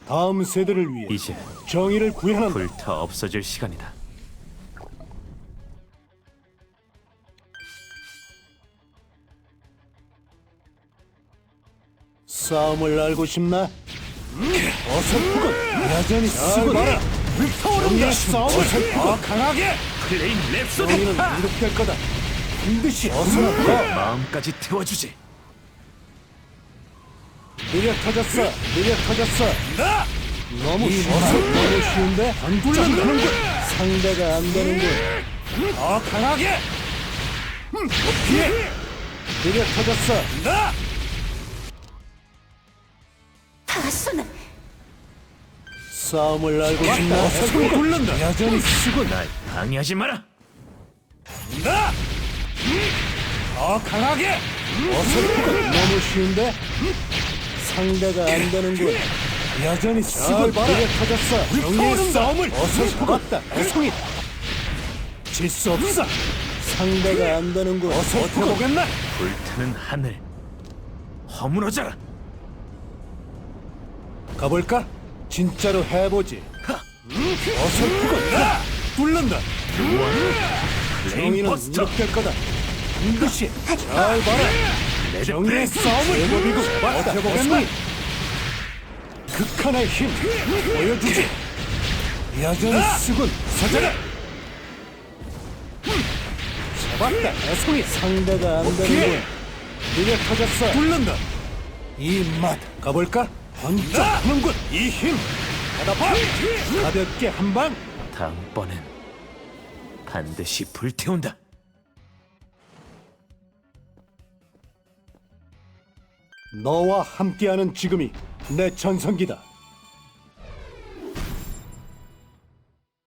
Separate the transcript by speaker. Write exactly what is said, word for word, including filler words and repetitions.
Speaker 1: 다음 세대를 위해
Speaker 2: 이제
Speaker 1: 정의를 구현한다.
Speaker 2: 불타 없어질 시간이다.
Speaker 1: 싸움을 알고 싶나? 어설프군. 여전히 쓰고
Speaker 2: 봐라.
Speaker 1: 정의의 싸움을 더 강하게.
Speaker 2: 플레인 랩소디.
Speaker 1: 정의는 이룩될 거다. 반드시 어설프고.
Speaker 2: 마음까지 태워주지.
Speaker 1: 느려 터졌어. 느려 터졌어.
Speaker 2: 나
Speaker 1: 너무 쉬워. 너무 쉬운데? 안 굴러가는군. 상대가 안 되는군. 더 강하게. 피해. 느려 터졌어.
Speaker 2: 나
Speaker 3: 다소는
Speaker 1: 싸움을 알고 싶나?
Speaker 2: 어설프고 굴른다.
Speaker 1: 여전히 쓰고.
Speaker 2: 날 방해하지 마라.
Speaker 1: 나! 더 강하게! 어설프고 너무 쉬운데? 상대가 안 되는군. 여전히 쓰고 느려 터졌어. 정의의 싸움을 어설프겠다. 애송이 질 수 없어. 상대가 안 되는군. 어설프고 보겠나?
Speaker 2: 불타는 하늘 허물어져라.
Speaker 1: 가볼까? 진짜로 해보지. 어설프고 나! 뚫는다.
Speaker 2: 플레인
Speaker 1: 정의는
Speaker 2: 버스터.
Speaker 1: 이렇게 될 거다. 반드시 잘 봐라. 정의의 싸움을 제법이고 버텨보겠나? 극한의 힘 보여주지. 여전히 쓰군. 서자라. 잡았다. 애송이 상대가 안 되는군. 느려 터졌어. 뚫는다. 이 맛 가볼까? 번쩍 하는군. 이 힘 받아봐. 가볍게 한 방.
Speaker 2: 다음번엔 반드시 불태운다.
Speaker 1: 너와 함께하는 지금이 내 전성기다.